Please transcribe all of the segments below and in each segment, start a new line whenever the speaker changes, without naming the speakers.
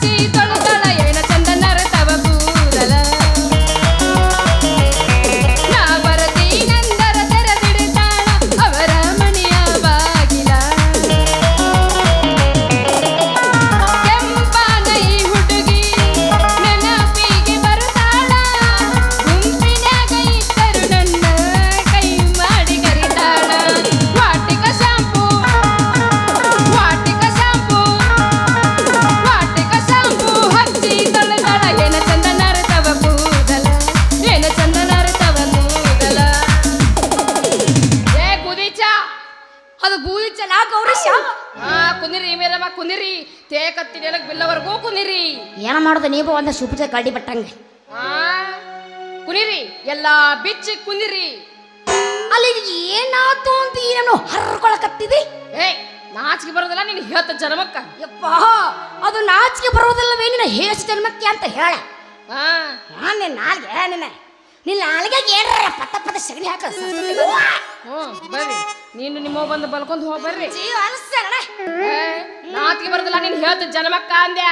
ಹಚ್ಚಿ ತೊಳೆದಳ ಏನ ಚಂದ ನರತವ ಕೂದಲ ನಾ ಬರತೀನಂದರ ತೆರೆದಿಡ್ತಾಳ ಅವರ ಮನೆಯ ಬಾಗಿಲ ಕೆಂಪಾನ ಈ ಹುಡುಗಿ ನೆನಪಿಗೆ ಬರುತ್ತಾಳ ಗುಂಪಿನ್ಯಾಗ ಇದ್ದರು ನನ್ನ ಕೈ ಮಾಡಿ ಕರಿತಾಳ ವಾಟಿಕ ಶಾಂಪೂ ಹಚ್ಚಿ ತೊಳೆದಳ ಏನ ಚಂದ ನರತವ ಕೂದಲ ಏನ ಚಂದ ನರತವ ಕೂದಲ ಏ ಕುದಿಚ
ಅದು ಗೂಳಿಚಲ ಗೌರೀಶ
ಕುನಿರಿ ಮೇಲಮ್ಮ ಕುನಿರಿ ತೇಕತ್ತಿ ನೆಲಕ್ ಬಿಲ್ಲವರೆಗೂ ಕುನಿರಿ
ಏನ ಮಾಡೋದು ನೀವು ಒಂದ ಸುಪ್ಪಿದ ಕಡ್ಡಿ ಬಟ್ಟಂಗೆ
ಆ ಕುನಿರಿ ಎಲ್ಲಾ ಬಿಚ್ಚಿ ಕುನಿರಿ
ಅಲ್ಲಿ ಏನಾತು ಅಂತ ಏನೋ ಹರ್ಕೊಳಕತ್ತಿದಿ
ಏ ನಾಚಿಕೆ ಬರೋದಲ್ಲ ನೀನು ಹೇಳ್ತ ಜನ್ಮಕ್ಕ
ಯಪ್ಪ ಅದು ನಾಚಿಕೆ ಬರೋದಿಲ್ಲವೇ ನಿನ್ನ ಹೇಸ ಜನ್ಮಕ್ಕೆ ಅಂತ ಹೇಳ
ಆ
ನಿನ್ನ ನಾಲ್ಗೆ ನಿನ್ನ ನಾಲ್ಗೆ ಏನ್ರ ಪತ್ತ ಪತ್ತ ಸಗಣಿ ಹಾಕ
ಬರ್ರಿ ನೀನು ನಿಮ್ಮ ಬಂದು ಬಲ್ಕೊಂಡ್ ಹೋಗ್ ಬರ್ರಿ
ಜೀವ ಅನ್ಸಣ
ಏ, ನಾಚಿಕೆ ಬರೋದಿಲ್ಲ ನೀನು ಹೇಳ್ತ ಜನ್ಮಕ್ಕ ಅಂದ್ಯಾ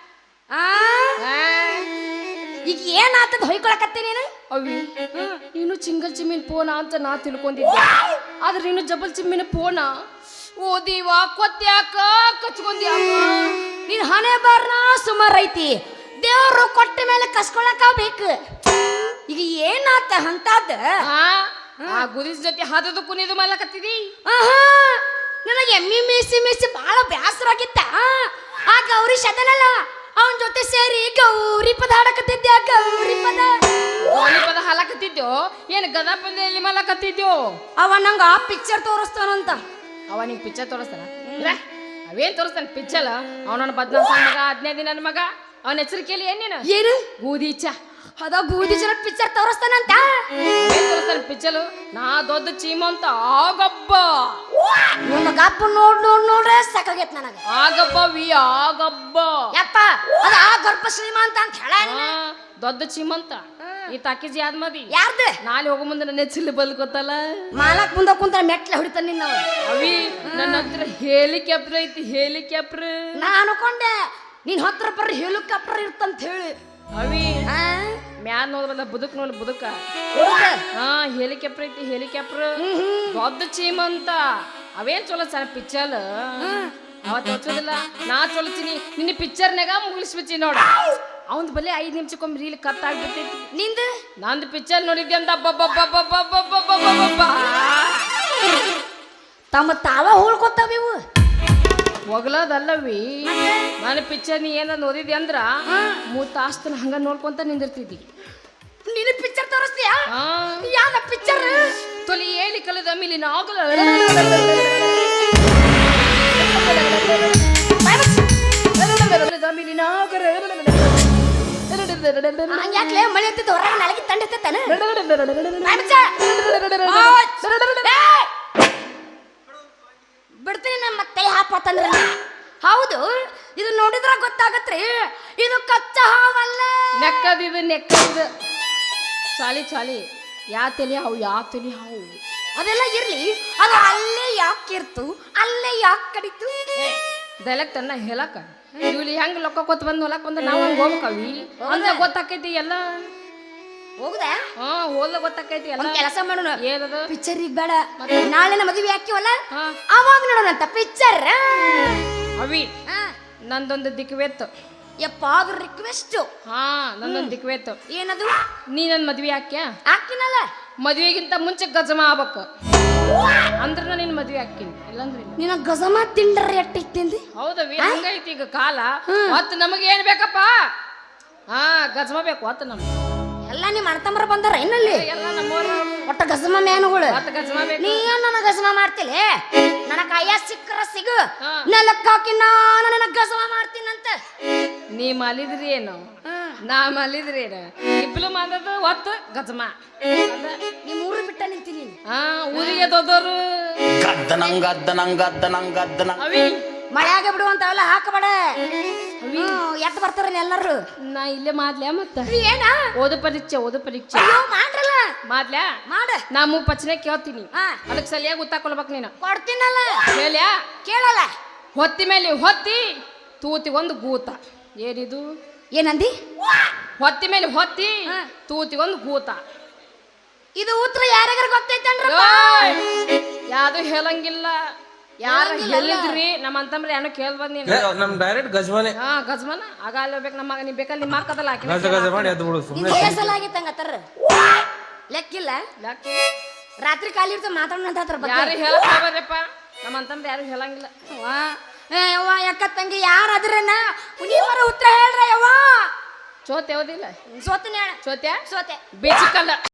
ಈಗ ಏನಾತದ ಹೊಯ್ಕೊಳಕತ್ತಿ ನೀನು
ಅವಿ ನೀನು ಚಿಂಗಲ್ ಚಿಮ್ಮಿನ ಪೋನ ಅಂತ ನಾ ತಿಳ್ಕೊಂಡಿದ್ದೆ ಆದ್ರೆ ನೀನು ಜಬಲ್ ಚಿಮ್ಮಿನ ಪೋನ ಓದಿವ ಕೊತ್ತ್ಯಾಕ ಕಚ್ಕೊಂಡ್ಯಾಕ
ನೀನ್ ಹಣೆ ಬಾರ್ನ ಸುಮಾರು ಐತಿ ದೇವ್ರು ಕೊಟ್ಟ ಮೇಲೆ ಕಸ್ಕೊಳಕ ಬೇಕು ಈಗ ಏನಾತ ಅಂತದ
ಆ ಗುದಿಸ್ ಜೊತೆ ಹದದು ಕುನಿದು ಮಲಕತ್ತಿದಿ
ನನಗೆ ಎಮ್ಮಿ ಮೇಸಿ ಬಹಳ ಬೇಸರ ಆಗಿತ್ತ ಆ ಗೌರಿ ಶತನಲ್ಲ ಅವನ ಜೊತೆ ಸೇರಿ ಗೌರಿ ಪದ ಹಾಡಕತ್ತಿದ್ದೆ ಗೌರಿ ಪದ
ಪದ ಹಾಲಕತ್ತಿದ್ಯೋ ಏನು ಗದಾ ಪಂದ್ಯಲ್ಲಿ ಮಲಕತ್ತಿದ್ಯೋ
ಅವ ನಂಗ ಆ ಪಿಕ್ಚರ್ ತೋರಿಸ್ತಾನಂತ
ಅವ ನಿಂಗೆ ಪಿಕ್ಚರ್ ತೋರಿಸ್ತಾನ ಅವೇನ್ ತೋರಿಸ್ತಾನ ಪಿಕ್ಚರ್ ಅವನ ಬದ್ನ ಮಗ 15 ದಿನ ಮಗ ಅವನ ಹೆಸರಿಕೆಯಲ್ಲಿ ಏನೇನು
ಏನು
ಗೂದಿಚ
ಅದ ಬೂದಿ ಜನ ಪಿಕ್ಚರ್ ತೋರಿಸ್ತಾನಂತ
ಏನ್ ತೋರಿಸ್ತಾನ ಪಿಕ್ಚರ್ ನಾ ದೊಡ್ಡ ಚೀಮಂತ ಆಗಬ್ಬ
ನಿಮ್ಮ ಗಪ್ಪ ನೋಡ್ರೆ ಸಾಕಾಗೈತ್ ನನಗ
ಆಗಬ್ಬ ಆಗಬ್ಬ
ಯಪ್ಪ ಅದ ಆ ಗರ್ಭ ಶ್ರೀಮಂತ ಅಂತ ಹೇಳ
ದೊಡ್ಡ ಚೀಮಂತ ಈ ತಾಕಿಜಿ ಆದ್ಮದಿ
ಯಾರ್ದ
ನಾಳೆ ಹೋಗೋ ಮುಂದೆ ನನ್ನ ಹೆಸರು ಬಲ್ಕೊತ್ತಲ್ಲ
ಮಾಲಕ್ ಮುಂದ ಕುಂತ ಮೆಟ್ಲ ಹೊಡಿತಾನ ನಿನ್ನವ
ಅವಿ ನನ್ನ ಹತ್ರ ಹೆಲಿಕಾಪ್ಟರ್ ಐತಿ ಹೆಲಿಕಾಪ್ಟರ್
ನಾ ಅನ್ಕೊಂಡೆ ನಿನ್ ಹತ್ರ ಬರ್ರಿ ಹೆಲಿಕಾಪ್ಟರ್ ಇರ್ತಂತ ಹೇಳಿ
ಅವಿ ಮ್ಯಾನ್ ನೋಡ್ಬಲ್ಲ ಬುದಕ್ ನೋಡ್ ಬುದಕ ಹೆಲಿಕಾಪ್ಟರ್ ಐತಿ ಹೆಲಿಕಾಪ್ಟರ್ ದೊಡ್ಡ ಚೀಮಂತ ಅವೇನ್ ಚಲೋ ಸರ್ ಪಿಕ್ಚರ್ ಅವತ್ತು ಹಚ್ಚೋದಿಲ್ಲ ನಾ ಚೊಲತೀನಿ ನಿನ್ನ ಪಿಕ್ಚರ್ನಾಗ ಮುಗಿಸ್ಬಿಚ್ಚಿ ನೋಡ ಅವಂದ್ ಬಲ್ಲಿ 5 ನಿಮಿಷಕ್ಕೊಮ್ಮೆ ರೀಲ್ ಕಟ್ ಆಗ್ಬಿಟ್ಟೈತಿ
ನಿಂದ
ನಂದು ಪಿಕ್ಚರ್ ನೋಡಿದ್ದೆ ಅಂತ
ತಮ್ಮ ತಾವ ಹೋಳ್ಕೊತಾವ ಇವು
ಒಗಲದಲ್ಲವಿ ನಾನು ಪಿಕ್ಚರ್ ನೀ ಏನಾದ್ರು ಓದಿದ್ದೆ ಅಂದ್ರ 3 ತಾಸ್ತನ ಹಂಗ ನೋಡ್ಕೊಂತ ನಿಂದಿರ್ತಿದ್ದಿ
ನೀನು ಪಿಕ್ಚರ್ ತೋರಿಸ್ತೀಯಾ ಯಾವ ಪಿಕ್ಚರ್
ತೊಲಿ ಹೇಳಿ ಕಲದ ಮೇಲೆ ನಾಗಲ
ಹಂಗ್ಯಾಕ್ಲೆ ಮಳೆ ಎತ್ತಿದ್ದು ಹೊರಗೆ ನಾಳೆಗೆ ತಂಡಿರ್ತಾನೆ ಬಿಡ್ತೀನಿ ನಮ್ಮ ಮತ್ತೆ ಹಾಪತ್ತಂದ್ರ ಹೌದು ಇದು ನೋಡಿದ್ರ ಗೊತ್ತಾಗತ್ರಿ ಇದು ಕಚ್ಚಾ ಹಾವಲ್ಲ
ನೆಕ್ಕದಿದು ನೆಕ್ಕದಿದು ಚಾಲಿ ಯಾ ತಲಿ ಹಾವು
ಅದೆಲ್ಲ ಇರ್ಲಿ ಅದು ಅಲ್ಲೇ ಯಾಕಿರ್ತು ಅಲ್ಲೇ ಯಾಕೆ ಕಡಿತು
ಡೈಲೆಕ್ಟ್ ಅನ್ನ ಹೇಳಕ ಇಲ್ಲಿ ಹೆಂಗ್ ಲೊಕ್ಕ ಕೊತ್ ಬಂದ್ ಹೊಲಕ್ ಬಂದ ನಾವ್ ಹಂಗ ಹೋಗ್ಬೇಕವಿ ಅಂದ್ರೆ ಗೊತ್ತಾಕೈತಿ ಎಲ್ಲ
ಹೋಗುದಾ
ಹೋದ ಗೊತ್ತಾಕೈತಿ ಎಲ್ಲ
ಕೆಲಸ ಮಾಡೋಣ
ಏನದು
ಪಿಕ್ಚರ್ ಈಗ ಬೇಡ ನಾಳೆ ನಮ್ಮ ಮದುವೆ ಹಾಕಿವಲ್ಲ ಅವಾಗ ನೋಡೋಣಂತ ಪಿಕ್ಚರ್
ಅವಿ ನಂದೊಂದು ದಿಕ್ವೇತ್ತು
ಯಪ್ಪ ಅದು ರಿಕ್ವೆಸ್ಟ್
ನಂದೊಂದು ದಿಕ್ವೇತ್ತು
ಏನದು
ನೀ ನನ್ ಮದ್ವೆ
ಹಾಕಿನಲ್ಲ
ಮದ್ವೆಗಿಂತ ಮುಂಚೆ ಗಜಮ ಆಗ್ಬೇಕು ಅಂದ್ರ ನಿನ್ ಮದ್ವೆ ಹಾಕಿನಿ ಇಲ್ಲಂದ್ರೆ
ನಿನ್ನ ಗಜಮ ತಿಂಡ್ರ ಎಟ್ಟಿಂದಿ
ಹೌದವಿ ಹಂಗೈತಿ ಈಗ ಕಾಲ ಮತ್ ನಮಗೆ ಏನ್ ಬೇಕಪ್ಪ ಗಜಮ ಬೇಕು ಹೊತ್ತ ನಮ್ಗೆ
ಎಲ್ಲ ನಿಮ್ಮ ಅಣ್ಣತಮ್ಮರ ಬಂದಾರ ಇನ್ನಲ್ಲಿ
ಎಲ್ಲ ನಮ್ಮವ್ರ
ಒಟ್ಟ ಗಜಮ ಮ್ಯಾನುಗಳು
ಮತ್ತ ಗಜಮ ಬೇಕು
ನೀ ನನ್ನ ಗಜಮ ಮಾಡ್ತಿಲೆ ನನ್ನ ಕೈಯ ಸಿಕ್ಕರ ಸಿಗು ನೆಲಕ್ಕೆ ಹಾಕಿ ನಾನು ನನ್ನ ಗಜಮ ಮಾಡ್ತೀನಂತ
ನೀ ಮಲಿದ್ರಿ ಏನು ನಾ ಮಲಿದ್ರಿ ಏನು ಇಬ್ರು ಮಾಡೋದು ಒತ್ತು ಗಜಮ
ನಿಮ್ಮ ಊರು ಬಿಟ್ಟ ನಿಂತೀನಿ
ಊರಿಗೆ ದೊಡ್ಡವರು ಅವಿ
ಮಳೆಯಾಗ ಬಿಡುವಂತವೆಲ್ಲ ಹಾಕಬೇಡ ಎತ್ತ ಬರ್ತಾರ ಎಲ್ಲರೂ
ನಾ ಇಲ್ಲೇ ಮಾಡ್ಲ್ಯಾ ಮತ್ತ
ಏನ
ಓದು ಪರೀಕ್ಷೆ
ಮಾಡ್ರಲ್ಲ
ಮಾಡ್ಲ್ಯಾ
ಮಾಡ
ನಾ ಪ್ರಶ್ನೆ ಕೇಳ್ತೀನಿ ಅದಕ್ಕೆ ಸರಿಯಾಗಿ ಗೊತ್ತಾಕೊಳ್ಬೇಕು ನೀನು
ಕೊಡ್ತೀನಲ್ಲ
ಹೇಳ್ಯಾ
ಕೇಳಲ್ಲ
ಹೊತ್ತಿ ಮೇಲೆ ಹೊತ್ತಿ ತೂತಿಗೊಂದು ಗೂತ ಏನಿದು
ಏನಂದಿ
ಹೊತ್ತಿ ಮೇಲೆ ಹೊತ್ತಿ
ಹಾ.
ತೂತಿಗೊಂದು ಗೂತ
ಇದು ಉತ್ತರ ಯಾರ್ಯಾರ ಗೊತ್ತೈತನ್ರಿ
ಯಾವ್ದು ಹೇಳಂಗಿಲ್ಲ ಯಾರು
ಹೇಳಂಗಿಲ್ಲ.
ಹೇಳಿದ್ರಿ ನಮ್ಮ ಅಂತಂದ್ರೆ ಏನೋ ಕೇಳ್ ಬಂದಿನ
ನಮ್ ಡೈರೆಕ್ಟ್ ಗಜ್ಮನೆ
ಹಾ ಗಜ್ಮನ ಆಗ ಅಲ್ಲಿ ಬೇಕು ನಮ್ಮ ನೀ ಬೇಕಲ್ಲಿ ನಿಮ್ಮ ಅಕ್ಕದಲ್ಲ ಆಕಿ
ಗಜ ಗಜ ಮಾಡಿ ಅದು ಬಿಡು ಸುಮ್ಮನೆ
ಇದು ಏಸಲ ಆಗಿತ್ತಂಗತ್ತಾರ ಲೆಕ್ಕಿಲ್ಲ ರಾತ್ರಿ ಖಾಲಿ ಇರ್ತ ಮಾತಾಡೋಣ ಅಂತ ಅದ್ರ ಬಗ್ಗೆ
ಯಾರು ಹೇಳಕ್ ಹೋಗ್ಬಾರ್ದಪ್ಪ ನಮ್ಮ ಅಂತಂದ್ರೆ ಯಾರು ಹೇಳಂಗಿಲ್ಲ
ವಾ ಏ ಯವ್ವ ಯಾಕ ತಂಗಿ ಯಾರು ಅದ್ರನ ನೀವರ ಉತ್ತರ ಹೇಳ್ರ ಯವ್ವ
ಚೋತ್ ಯಾವ್ದಿಲ್ಲ
ಸೋತನ ಹೇಳ
ಚೋತ್ಯ
ಸೋತೆ
ಬೇಚಿಕಲ್ಲ